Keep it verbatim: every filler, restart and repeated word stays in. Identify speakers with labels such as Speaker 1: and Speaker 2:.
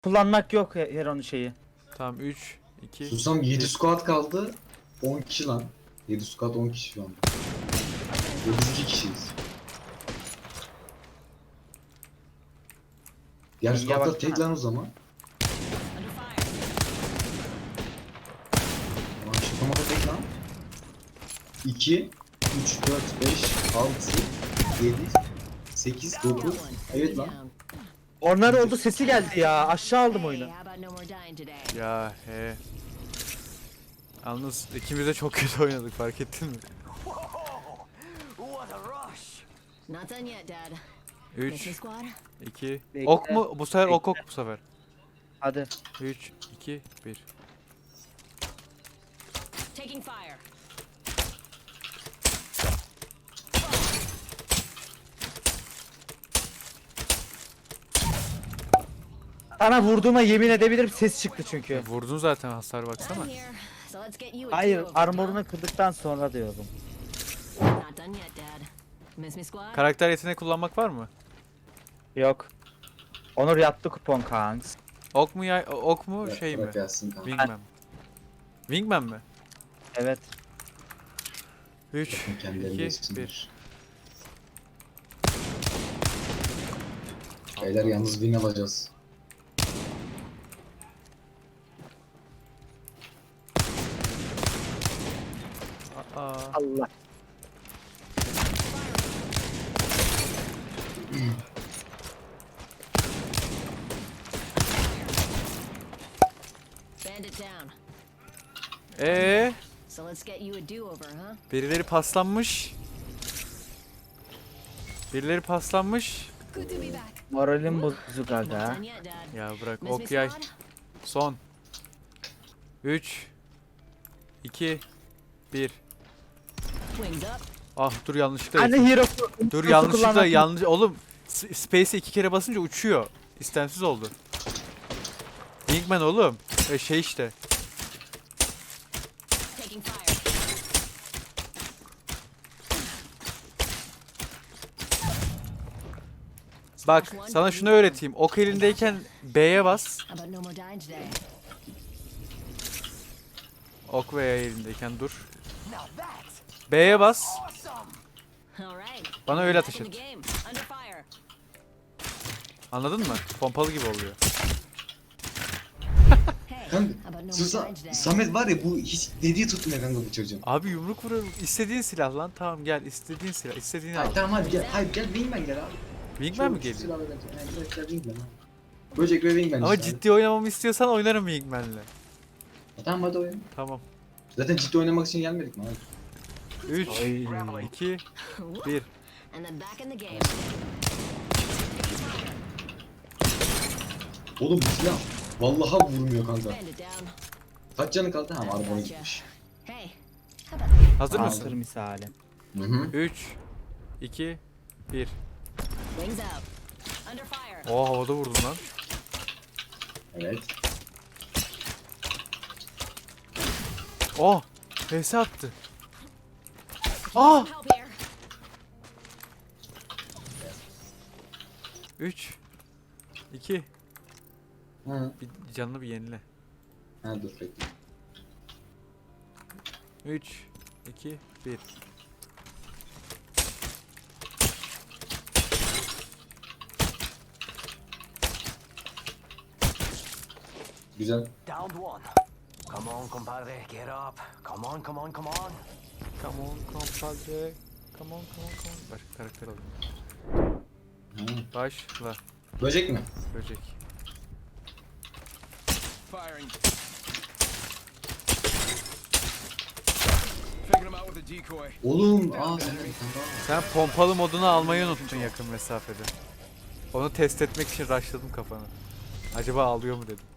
Speaker 1: Kullanmak yok Heron'un şeyi.
Speaker 2: Tamam üç, iki.
Speaker 3: Susam yedi squad kaldı. on kişi lan. yedi squad on kişi şu an. Ve biz iki kişiyiz. Diğer
Speaker 1: İyiye
Speaker 3: squadlar
Speaker 1: baksana.
Speaker 3: tek lan o zaman. Ama şakamada tek lan. iki, üç, dört, beş, altı, yedi, sekiz, dokuz. Evet lan.
Speaker 1: Onlar oldu, sesi geldi ya. Aşağı aldım oyunu.
Speaker 2: Ya he. Yalnız ikimiz de çok kötü oynadık, fark ettin mi? üç, iki.
Speaker 1: Bekle.
Speaker 2: Ok mu? Bu sefer ok
Speaker 1: Bekle.
Speaker 2: ok bu sefer.
Speaker 1: Hadi.
Speaker 2: üç, iki, bir.
Speaker 4: Taking fire.
Speaker 1: Sana vurduğuma yemin edebilirim, ses çıktı çünkü.
Speaker 2: Vurdun zaten, hasar baksana.
Speaker 4: I'm here, so let's get you a
Speaker 1: Hayır,
Speaker 4: do-over,
Speaker 1: armorunu
Speaker 4: huh?
Speaker 1: kırdıktan sonra diyorum.
Speaker 4: Not done yet, Dad. Miss me, squad?
Speaker 2: Karakter yeteneği kullanmak var mı?
Speaker 1: Yok. Onur yattı kupon kanks.
Speaker 2: Ok mu ya ok mu
Speaker 3: Bırak-
Speaker 2: şey mi?
Speaker 3: bırak gelsin kanka.
Speaker 2: Wingman mi? Wingman mi?
Speaker 1: Evet.
Speaker 2: üç,
Speaker 3: Kendilerini
Speaker 2: iki,
Speaker 3: yesinler.
Speaker 2: bir.
Speaker 3: Beyler yalnız win alacağız.
Speaker 2: Aa.
Speaker 1: Allah.
Speaker 4: Bandit down.
Speaker 2: Ee,
Speaker 4: So let's get you a do-over, huh?
Speaker 2: birileri paslanmış. Birileri paslanmış.
Speaker 4: Good to be back.
Speaker 1: Moralim bozuk
Speaker 4: Not
Speaker 1: aga.
Speaker 4: done yet, Dad.
Speaker 2: Ya bırak,
Speaker 4: Miss me,
Speaker 2: ok yay.
Speaker 4: squad?
Speaker 2: Son. üç, iki, bir.
Speaker 4: Wings up.
Speaker 2: Ah dur, yanlışlıkla.
Speaker 1: Anne hero.
Speaker 2: Dur
Speaker 1: Nasıl
Speaker 2: yanlışlıkla
Speaker 1: kullanmak-
Speaker 2: yanlış. Oğlum S- Space'e iki kere basınca uçuyor. İstemsiz oldu. Wingman oğlum. E şey işte.
Speaker 4: Taking fire.
Speaker 2: Bak sana şunu öğreteyim. Ok elindeyken B'ye bas.
Speaker 4: How about no more dying today?
Speaker 2: Ok veya elindeyken dur. B'ye bas.
Speaker 4: All right.
Speaker 2: Bana öyle
Speaker 4: Back
Speaker 2: ateş
Speaker 4: in
Speaker 2: et.
Speaker 4: the game. Under fire.
Speaker 2: Anladın mı? Pompalı gibi oluyor.
Speaker 4: Hey,
Speaker 3: Kanka
Speaker 4: how about no more
Speaker 3: Susa,
Speaker 4: dying today?
Speaker 3: Samet var ya bu hiç dediği tutmuyor kanka bu çocuğun.
Speaker 2: Abi yumruk vuruyorum. İstediğin silah lan. Tamam gel, istediğin silah. İstediğini al.
Speaker 3: Hayır tamam hadi gel. Hayır gel Wingman gel abi.
Speaker 2: Wingman mi
Speaker 3: Şu- şu
Speaker 2: geliyor?
Speaker 3: silahla gel. Yani direkt gel Wingman abi. Böcek ve Wingman
Speaker 2: Ama
Speaker 3: işte abi.
Speaker 2: ciddi oynamamı istiyorsan oynarım Wingman'le.
Speaker 3: E, tamam hadi oyun.
Speaker 2: Tamam.
Speaker 3: Zaten ciddi oynamak için gelmedik mi abi?
Speaker 2: üç,
Speaker 1: Ay.
Speaker 2: iki, bir.
Speaker 4: And then back in the game.
Speaker 3: Oğlum bu silah vallaha vurmuyor kanka.
Speaker 4: Bandit down.
Speaker 3: Kaç canı kaldı? Ha arabana gitmiş.
Speaker 4: Hey, how about
Speaker 2: Hazır
Speaker 3: Aa,
Speaker 2: mısın?
Speaker 1: Hazır misali.
Speaker 3: Hı hı.
Speaker 2: üç, iki, bir.
Speaker 4: wings up? Under fire.
Speaker 2: Oo, havada vurdum lan.
Speaker 3: Evet.
Speaker 2: Oh! H S attı. Ah!
Speaker 4: Help here.
Speaker 2: üç, iki.
Speaker 3: Hı.
Speaker 2: Bir canını bir yenile.
Speaker 3: Ha dur bekle.
Speaker 2: üç, iki, bir.
Speaker 3: Güzel.
Speaker 5: Downed one. Come on, compadre, get up. Come on, come on, come on.
Speaker 2: Come on, compadre. Come on, come on, come on. Başka karakter alayım.
Speaker 3: Hı.
Speaker 2: Başla.
Speaker 3: Böcek mi?
Speaker 2: Böcek.
Speaker 6: Firing. Taking him out with a decoy.
Speaker 3: Oğlum aa sen
Speaker 2: Sen pompalı modunu almayı unuttun yakın mesafede. Onu test etmek için rushladım kafanı. Acaba alıyor mu dedim.